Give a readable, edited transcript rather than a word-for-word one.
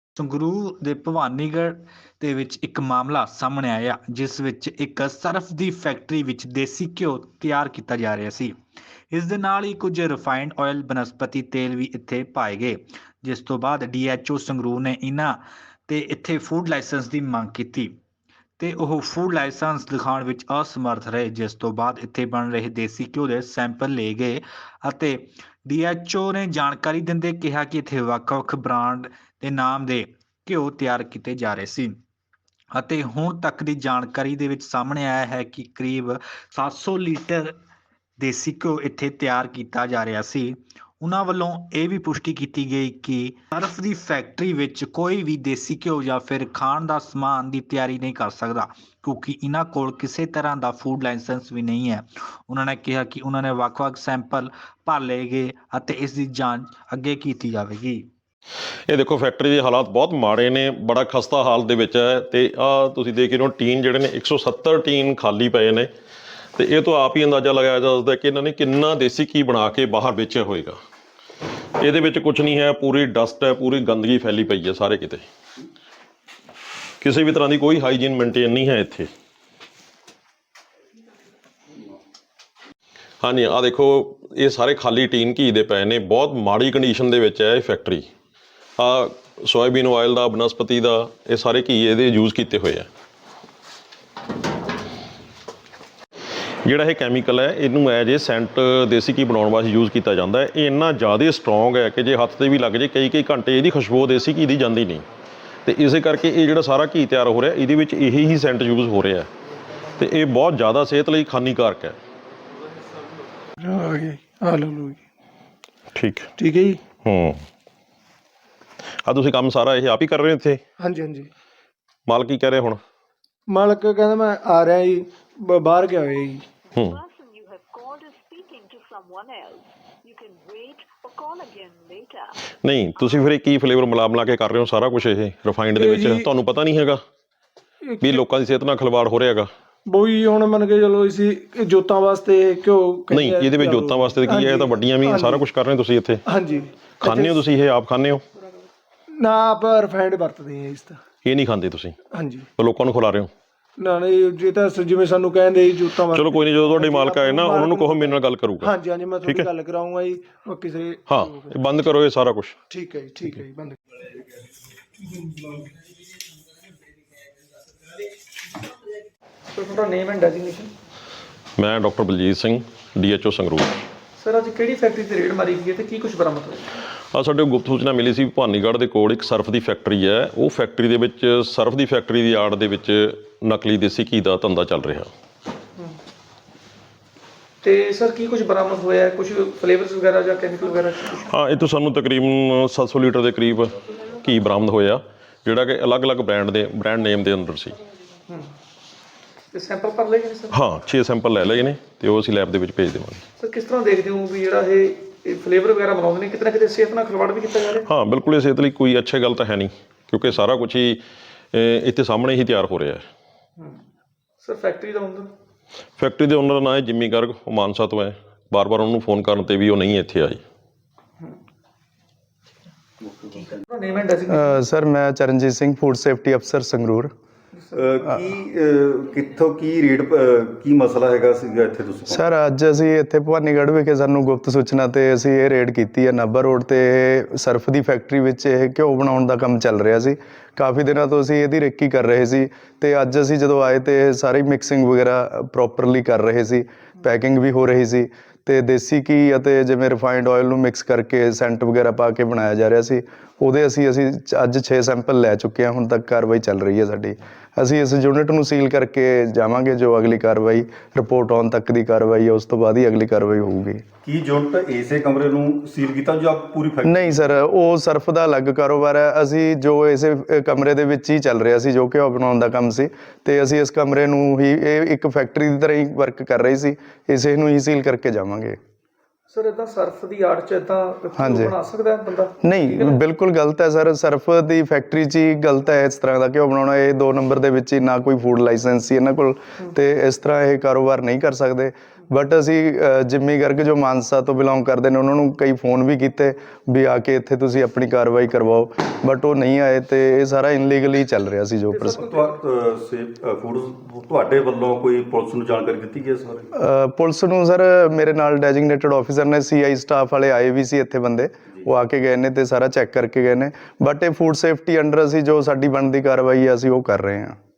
ਸੰਗਰੂਰ ਦੇ ਭਵਾਨੀਗੜ੍ਹ ਦੇ ਵਿੱਚ ਇੱਕ ਮਾਮਲਾ ਸਾਹਮਣੇ ਆਇਆ ਜਿਸ ਵਿੱਚ ਇੱਕ ਸਰਫ ਦੀ ਫੈਕਟਰੀ ਵਿੱਚ ਦੇਸੀ ਘਿਓ ਤਿਆਰ ਕੀਤਾ ਜਾ ਰਿਹਾ ਸੀ। ਇਸ ਦੇ ਨਾਲ ਹੀ ਕੁਝ ਰਿਫਾਈਨਡ ਆਇਲ ਬਨਸਪਤੀ ਤੇਲ ਵੀ ਇੱਥੇ ਪਾਏ ਗਏ, ਜਿਸ ਤੋਂ ਬਾਅਦ ਡੀਐਚਓ ਸੰਗਰੂਰ ਨੇ ਇਹਨਾਂ ਤੇ ਇੱਥੇ ਫੂਡ ਲਾਇਸੈਂਸ ਦੀ ਮੰਗ ਕੀਤੀ ਤੇ ਉਹ ਫੂਡ ਲਾਇਸੈਂਸ ਦਿਖਾਉਣ ਵਿੱਚ ਅਸਮਰਥ ਰਹੇ, ਜਿਸ ਤੋਂ ਬਾਅਦ ਇੱਥੇ ਬਣ ਰਹੇ ਦੇਸੀ ਘਿਓ ਦੇ ਸੈਂਪਲ ਲਏ ਗਏ ਅਤੇ ਡੀਐਚਓ ਨੇ ਜਾਣਕਾਰੀ ਦਿੰਦੇ ਕਿਹਾ ਕਿ ਇੱਥੇ ਵੱਖ-ਵੱਖ ਬ੍ਰਾਂਡ ਦੇ ਨਾਮ ਦੇ ਘਿਓ ਤਿਆਰ ਕੀਤੇ ਜਾ ਰਹੇ ਸੀ ਅਤੇ ਹੁਣ ਤੱਕ ਦੀ ਜਾਣਕਾਰੀ ਦੇ ਵਿੱਚ ਸਾਹਮਣੇ ਆਇਆ ਹੈ ਕਿ ਕਰੀਬ 700 ਲੀਟਰ ਦੇਸੀ ਘਿਓ ਇੱਥੇ ਤਿਆਰ ਕੀਤਾ ਜਾ ਰਿਹਾ ਸੀ। ਉਹਨਾਂ ਵੱਲੋਂ ਇਹ ਵੀ ਪੁਸ਼ਟੀ ਕੀਤੀ ਗਈ ਕਿ ਸਰਫ ਦੀ ਫੈਕਟਰੀ ਵਿੱਚ ਕੋਈ ਵੀ ਦੇਸੀ ਘਿਓ ਜਾਂ ਫਿਰ ਖਾਣ ਦਾ ਸਮਾਨ ਦੀ ਤਿਆਰੀ ਨਹੀਂ ਕਰ ਸਕਦਾ ਕਿਉਂਕਿ ਇਹਨਾਂ ਕੋਲ ਕਿਸੇ ਤਰ੍ਹਾਂ ਦਾ ਫੂਡ ਲਾਇਸੈਂਸ ਵੀ ਨਹੀਂ ਹੈ। ਉਹਨਾਂ ਨੇ ਕਿਹਾ ਕਿ ਉਹਨਾਂ ਨੇ ਵੱਖ-ਵੱਖ ਸੈਂਪਲ ਭਰ ਲਏ ਗਏ ਅਤੇ ਇਸ ਦੀ ਜਾਂਚ ਅੱਗੇ ਕੀਤੀ ਜਾਵੇਗੀ। ਇਹ ਦੇਖੋ ਫੈਕਟਰੀ ਦੇ ਹਾਲਾਤ ਬਹੁਤ ਮਾੜੇ ਨੇ, ਬੜਾ ਖਸਤਾ ਹਾਲ ਦੇ ਵਿੱਚ ਹੈ ਤੇ ਆਹ ਤੁਸੀਂ ਦੇਖ ਰਹੇ ਹੋ ਟੀਨ ਜਿਹੜੇ ਨੇ 170 ਟੀਨ ਖਾਲੀ ਪਏ ਨੇ ਤੇ ਇਹ ਤੋਂ ਆਪ ਹੀ ਅੰਦਾਜ਼ਾ ਲਗਾਇਆ ਜਾ ਸਕਦਾ ਕਿ ਇਹਨਾਂ ਨੇ ਕਿੰਨਾ ਦੇਸੀ ਘੀ ਬਣਾ ਕੇ ਬਾਹਰ ਵੇਚਿਆ ਹੋਏਗਾ। ਇਹਦੇ ਵਿੱਚ ਕੁਝ ਨਹੀਂ ਹੈ, ਪੂਰੀ ਡਸਟ ਹੈ, ਪੂਰੀ ਗੰਦਗੀ ਫੈਲੀ ਪਈ ਹੈ ਸਾਰੇ ਕਿਤੇ, ਕਿਸੇ ਵੀ ਤਰ੍ਹਾਂ ਦੀ ਕੋਈ ਹਾਈਜੀਨ ਮੇਨਟੇਨ ਨਹੀਂ ਹੈ ਇੱਥੇ। ਹਾਂਜੀ ਆਹ ਦੇਖੋ ਇਹ ਸਾਰੇ ਖਾਲੀ ਟੀਨ ਘੀ ਦੇ ਪਏ ਨੇ, ਬਹੁਤ ਮਾੜੀ ਕੰਡੀਸ਼ਨ ਦੇ ਵਿੱਚ ਹੈ ਇਹ ਫੈਕਟਰੀ। ਆਹ ਸੋਇਆਬੀਨ ਆਇਲ ਦਾ, ਬਨਸਪਤੀ ਦਾ, ਇਹ ਸਾਰੇ ਘੀ ਇਹਦੇ ਯੂਜ਼ ਕੀਤੇ ਹੋਏ ਆ। ਜਿਹੜਾ ਇਹ ਕੈਮੀਕਲ ਹੈ ਇਹਨੂੰ ਐਜ ਏ ਸੈਂਟ ਦੇਸੀ ਘੀ ਬਣਾਉਣ ਵਾਸਤੇ ਯੂਜ਼ ਕੀਤਾ ਜਾਂਦਾ ਹੈ। ਇਹ ਇੰਨਾ ਜ਼ਿਆਦਾ ਸਟਰੋਂਗ ਹੈ ਕਿ ਜੇ ਹੱਥ 'ਤੇ ਵੀ ਲੱਗ ਜੇ ਕਈ ਘੰਟੇ ਇਹਦੀ ਖੁਸ਼ਬੂ ਦੇਸੀ ਘੀ ਦੀ ਜਾਂਦੀ ਨਹੀਂ ਅਤੇ ਇਸੇ ਕਰਕੇ ਇਹ ਜਿਹੜਾ ਸਾਰਾ ਘੀ ਤਿਆਰ ਹੋ ਰਿਹਾ ਇਹਦੇ ਵਿੱਚ ਇਹੀ ਹੀ ਸੈਂਟ ਯੂਜ਼ ਹੋ ਰਿਹਾ ਅਤੇ ਇਹ ਬਹੁਤ ਜ਼ਿਆਦਾ ਸਿਹਤ ਲਈ ਹਾਨੀਕਾਰਕ ਹੈ। ਠੀਕ ਠੀਕ ਹੈ ਜੀ। ਆ ਤੁਸੀਂ ਕੰਮ ਸਾਰਾ ਇਹ ਆਪ ਹੀ ਕਰ ਰਹੇ ਹੋ ਇੱਥੇ? ਹਾਂਜੀ ਹਾਂਜੀ। ਮਾਲਕ ਕੀ ਕਹਿ ਰਿਹਾ ਹੁਣ? ਮਾਲਕ ਕਹਿੰਦਾ ਮੈਂ ਆ ਰਿਹਾ ਜੀ, ਬਾਹਰ ਗਿਆ ਹੋਇਆ ਜੀ। ਨਹੀਂ ਤੁਸੀਂ ਫਿਰ ਕੀ ਫਲੇਵਰ ਮਿਲਾ ਕੇ ਕਰ ਰਹੇ ਹੋ ਸਾਰਾ ਕੁਝ ਇਹ ਰਿਫਾਈਨਡ ਦੇ ਵਿੱਚ? ਤੁਹਾਨੂੰ ਪਤਾ ਨਹੀਂ ਹੈਗਾ ਵੀ ਲੋਕਾਂ ਦੀ ਸਿਹਤ ਨਾਲ ਖਿਲਵਾੜ ਹੋ ਰਿਹਾ ਹੈਗਾ? ਬੋਈ ਹੁਣ ਮੰਨ ਕੇ ਚਲੋ ਅਸੀਂ ਜੋਤਾਂ ਵਾਸਤੇ ਘਿਓ ਨਹੀਂ, ਇਹਦੇ ਵਿੱਚ ਜੋਤਾਂ ਵਾਸਤੇ ਕੀ ਹੈ? ਇਹ ਤਾਂ ਵੱਡੀਆਂ ਵੀ ਸਾਰਾ ਕੁਝ ਕਰ ਰਹੇ ਤੁਸੀਂ ਇੱਥੇ। ਹਾਂਜੀ। ਖਾਂਦੇ ਹੋ ਤੁਸੀਂ ਇਹ? ਆਪ ਖਾਂਦੇ ਹੋ? ਨਾ ਆਪ ਰਿਫਾਈਨਡ ਵਰਤਦੇ ਆ ਇਸ ਤਾਂ। ਇਹ ਨਹੀਂ ਖਾਂਦੇ ਤੁਸੀਂ? ਹਾਂਜੀ। ਲੋਕਾਂ ਨੂੰ ਖਿਲਾ ਰਹੇ ਹੋ? ਨਾ ਨਹੀਂ, ਜੇ ਤਾਂ ਜਿਵੇਂ ਸਾਨੂੰ ਕਹਿੰਦੇ ਜੋਤਾਂ ਵਾਸਤੇ। ਚਲੋ ਕੋਈ ਨਹੀਂ, ਜਦੋਂ ਤੁਹਾਡੇ ਮਾਲਕ ਆਏ ਨਾ ਉਹਨਾਂ ਨੂੰ ਕਹੋ ਮੇਰੇ ਨਾਲ ਗੱਲ ਕਰੂਗਾ। ਹਾਂਜੀ ਹਾਂਜੀ, ਮੈਂ ਤੁਹਾਡੀ ਗੱਲ ਕਰਾਉਂਗਾ ਜੀ। ਕਿਸੇ ਹਾਂ ਇਹ ਬੰਦ ਕਰੋ ਇਹ ਸਾਰਾ ਕੁਝ। ਠੀਕ ਹੈ ਜੀ, ਠੀਕ ਹੈ ਜੀ, ਬੰਦ। ਤੁਹਾਡਾ ਨੇਮ ਐਂਡ ਡੈਜ਼ਿਗਨੇਸ਼ਨ? ਮੈਂ doctor Baljeet Singh, DHO Sangrur. Sir ਅੱਜ ਕਿਹੜੀ ਫੈਕਟਰੀ ਤੇ ਰੇਡ ਮਾਰੀ ਗਈ ਹੈ ਤੇ ਕੀ ਕੁਝ ਬਰਾਮਦ ਹੋਇਆ? ਸਾਡੇ ਗੁਪਤ ਸੂਚਨਾ ਮਿਲੀ ਸੀ ਭਵਾਨੀਗੜ੍ਹ ਦੇ ਕੋਲ ਇੱਕ ਸਰਫ ਦੀ ਫੈਕਟਰੀ ਹੈ। ਉਹ ਫੈਕਟਰੀ ਦੇ ਵਿੱਚ ਸਰਫ ਦੀ ਫੈਕਟਰੀ ਦੀ ਆੜ ਦੇ ਵਿੱਚ ਨਕਲੀ ਦੇਸੀ ਘੀ ਦਾ ਧੰਦਾ ਚੱਲ ਰਿਹਾ। ਤੇ ਸਰ ਕੀ ਕੁਝ ਬਰਾਮਦ ਹੋਇਆ? ਕੁਝ ਫਲੇਵਰਸ ਵਗੈਰਾ ਜਾਂ ਕੈਮੀਕਲ ਵਗੈਰਾ? ਹਾਂ, ਇਹ ਤੋਂ ਸਾਨੂੰ ਤਕਰੀਬਨ 700 ਲੀਟਰ ਦੇ ਕਰੀਬ ਘੀ ਬਰਾਮਦ ਹੋਇਆ ਜਿਹੜਾ ਕਿ ਅਲੱਗ-ਅਲੱਗ ਬ੍ਰਾਂਡ ਨੇਮ ਦੇ ਅੰਦਰ ਸੀ। ਤੇ ਸੈਂਪਲ ਭਰ ਲਏ ਗਏ ਸਰ? ਹਾਂ, 6 ਸੈਂਪਲ ਲੈ ਲਏ ਨੇ ਤੇ ਉਹ ਅਸੀਂ ਲੈਬ ਦੇ ਵਿੱਚ ਭੇਜ ਦੇਵਾਂਗੇ। ਸਰ ਕਿਸ ਤਰ੍ਹਾਂ ਦੇਖਦੇ ਹੋ ਵੀ ਜਿਹੜਾ ਇਹ ਫਲੇਵਰ ਵਗੈਰਾ ਬਣਾਉਂਦੇ ਨੇ ਕਿਤੇ ਨਾ ਕਿਤੇ ਸਿਹਤ ਨਾਲ ਖਿਲਵਾੜ ਵੀ ਕੀਤਾ ਜਾ ਰਿਹਾ? ਹਾਂ ਬਿਲਕੁਲ, ਇਹ ਸਿਹਤ ਲਈ ਕੋਈ ਅੱਛੀ ਗੱਲ ਤਾਂ ਹੈ ਨਹੀਂ ਕਿਉਂਕਿ ਸਾਰਾ ਕੁਝ ਹੀ ਇੱਥੇ ਸਾਹਮਣੇ ਹੀ ਤਿਆਰ ਹੋ ਰਿਹਾ ਹੈ। ਸਰ ਫੈਕਟਰੀ ਦਾ ਓਨਰ? ਫੈਕਟਰੀ ਦੇ ਓਨਰ ਦਾ ਨਾਂ ਹੈ ਜਿੰਮੀ ਗਰਗ, ਉਹ ਮਾਨਸਾ ਤੋਂ ਹੈ। ਬਾਰ-ਬਾਰ ਉਹਨੂੰ ਫੋਨ ਕਰਨ 'ਤੇ ਵੀ ਉਹ ਨਹੀਂ ਇੱਥੇ ਆਈ। ਸਰ ਮੈਂ ਚਰਨਜੀਤ ਸਿੰਘ, ਫੂਡ ਸੇਫਟੀ ਅਫਸਰ ਸੰਗਰੂਰ। ਕਿੱਥੋਂ ਕੀ ਰੇਟ ਕੀ ਮਸਲਾ ਹੈਗਾ ਸੀਗਾ ਇੱਥੇ ਤੁਸੀਂ? ਸਰ ਅੱਜ ਅਸੀਂ ਇੱਥੇ ਭਵਾਨੀਗੜ੍ਹ ਵਿਖੇ ਸਾਨੂੰ ਗੁਪਤ ਸੂਚਨਾ 'ਤੇ ਅਸੀਂ ਇਹ ਰੇਡ ਕੀਤੀ ਹੈ। ਨਾਭਾ ਰੋਡ 'ਤੇ ਸਰਫ ਦੀ ਫੈਕਟਰੀ ਵਿੱਚ ਇਹ ਘਿਓ ਬਣਾਉਣ ਦਾ ਕੰਮ ਚੱਲ ਰਿਹਾ ਸੀ। ਕਾਫੀ ਦਿਨਾਂ ਤੋਂ ਅਸੀਂ ਇਹਦੀ ਰੇਕੀ ਕਰ ਰਹੇ ਸੀ ਅਤੇ ਅੱਜ ਅਸੀਂ ਜਦੋਂ ਆਏ ਤਾਂ ਸਾਰੀ ਮਿਕਸਿੰਗ ਵਗੈਰਾ ਪ੍ਰੋਪਰਲੀ ਕਰ ਰਹੇ ਸੀ, ਪੈਕਿੰਗ ਵੀ ਹੋ ਰਹੀ ਸੀ ਅਤੇ ਦੇਸੀ ਘੀ ਅਤੇ ਜਿਵੇਂ ਰਿਫਾਈਨਡ ਆਇਲ ਨੂੰ ਮਿਕਸ ਕਰਕੇ ਸੈਂਟ ਵਗੈਰਾ ਪਾ ਕੇ ਬਣਾਇਆ ਜਾ ਰਿਹਾ ਸੀ। ਉਹਦੇ ਅਸੀਂ ਅੱਜ 6 ਸੈਂਪਲ ਲੈ ਚੁੱਕੇ ਹਾਂ। ਹੁਣ ਤੱਕ ਕਾਰਵਾਈ ਚੱਲ ਰਹੀ ਹੈ ਸਾਡੀ। ਅਸੀਂ ਇਸ ਯੂਨਿਟ ਨੂੰ ਸੀਲ ਕਰਕੇ ਜਾਵਾਂਗੇ। ਜੋ ਅਗਲੀ ਕਾਰਵਾਈ ਰਿਪੋਰਟ ਆਉਣ ਤੱਕ ਦੀ ਕਾਰਵਾਈ ਹੈ ਉਸ ਤੋਂ ਬਾਅਦ ਹੀ ਅਗਲੀ ਕਾਰਵਾਈ ਹੋਊਗੀ। ਕੀ ਯੂਨਿਟ ਇਸੇ ਕਮਰੇ ਨੂੰ ਸੀਲ ਕੀਤਾ ਜਾਂ ਪੂਰੀ ਫੈਕਟਰੀ? ਨਹੀਂ ਸਰ, ਉਹ ਸਰਫ ਦਾ ਅਲੱਗ ਕਾਰੋਬਾਰ ਹੈ। ਅਸੀਂ ਜੋ ਇਸੇ ਕਮਰੇ ਦੇ ਵਿੱਚ ਹੀ ਚੱਲ ਰਿਹਾ ਸੀ, ਜੋ ਘਿਓ ਬਣਾਉਣ ਦਾ ਕੰਮ ਸੀ, ਅਤੇ ਅਸੀਂ ਇਸ ਕਮਰੇ ਨੂੰ ਹੀ ਇਹ ਇੱਕ ਫੈਕਟਰੀ ਦੀ ਤਰ੍ਹਾਂ ਹੀ ਵਰਕ ਕਰ ਰਹੀ ਸੀ, ਇਸੇ ਨੂੰ ਹੀ ਸੀਲ ਕਰਕੇ ਜਾਵਾਂਗੇ। ਸਰ ਇੱਦਾਂ ਸਰਫ ਦੀ ਆੜ 'ਚ ਇੱਦਾਂ ਬਣਾ ਸਕਦਾ ਬੰਦਾ? ਨਹੀਂ, ਬਿਲਕੁਲ ਗਲਤ ਹੈ ਸਰ। ਸਰਫ ਦੀ ਫੈਕਟਰੀ 'ਚ ਹੀ ਗਲਤ ਹੈ ਇਸ ਤਰ੍ਹਾਂ ਦਾ ਘਿਓ ਬਣਾਉਣਾ। ਇਹ 2 ਨੰਬਰ ਦੇ ਵਿੱਚ ਹੀ ਨਾ ਕੋਈ ਫੂਡ ਲਾਇਸੈਂਸ ਸੀ ਇਹਨਾਂ ਕੋਲ, ਅਤੇ ਇਸ ਤਰ੍ਹਾਂ ਇਹ ਕਾਰੋਬਾਰ ਨਹੀਂ ਕਰ ਸਕਦੇ। ਬਟ ਅਸੀਂ ਜਿੰਮੀ ਗਰਗ ਜੋ ਮਾਨਸਾ ਤੋਂ ਬਿਲੋਂਗ ਕਰਦੇ ਨੇ ਉਹਨਾਂ ਨੂੰ ਕਈ ਫੋਨ ਵੀ ਕੀਤੇ ਵੀ ਆ ਕੇ ਇੱਥੇ ਤੁਸੀਂ ਆਪਣੀ ਕਾਰਵਾਈ ਕਰਵਾਓ, ਬਟ ਉਹ ਨਹੀਂ ਆਏ ਤੇ ਇਹ ਸਾਰਾ ਇਨਲੀਗਲੀ ਚੱਲ ਰਿਹਾ ਸੀ ਜੋ ਫੂਡ ਤੁਹਾਡੇ ਵੱਲੋਂ ਕੋਈ ਪੁਲਿਸ ਨੂੰ ਜਾਣਕਾਰੀ ਦਿੱਤੀ ਗਈ ਇਸ ਬਾਰੇ? ਪੁਲਿਸ ਨੂੰ ਸਰ ਮੇਰੇ ਨਾਲ ਡੈਜਿਗਨੇਟਡ ਆਫੀਸਰ ਨੇ, CI ਸਟਾਫ ਵਾਲੇ ਆਏ ਵੀ ਸੀ ਇੱਥੇ ਬੰਦੇ, ਉਹ ਆ ਕੇ ਗਏ ਨੇ ਤੇ ਸਾਰਾ ਚੈੱਕ ਕਰਕੇ ਗਏ ਨੇ, ਬਟ ਇਹ ਫੂਡ ਸੇਫਟੀ ਅੰਡਰ ਅਸੀਂ ਜੋ ਸਾਡੀ ਬਣਦੀ ਕਾਰਵਾਈ ਆ ਅਸੀਂ ਉਹ ਕਰ ਰਹੇ ਹਾਂ।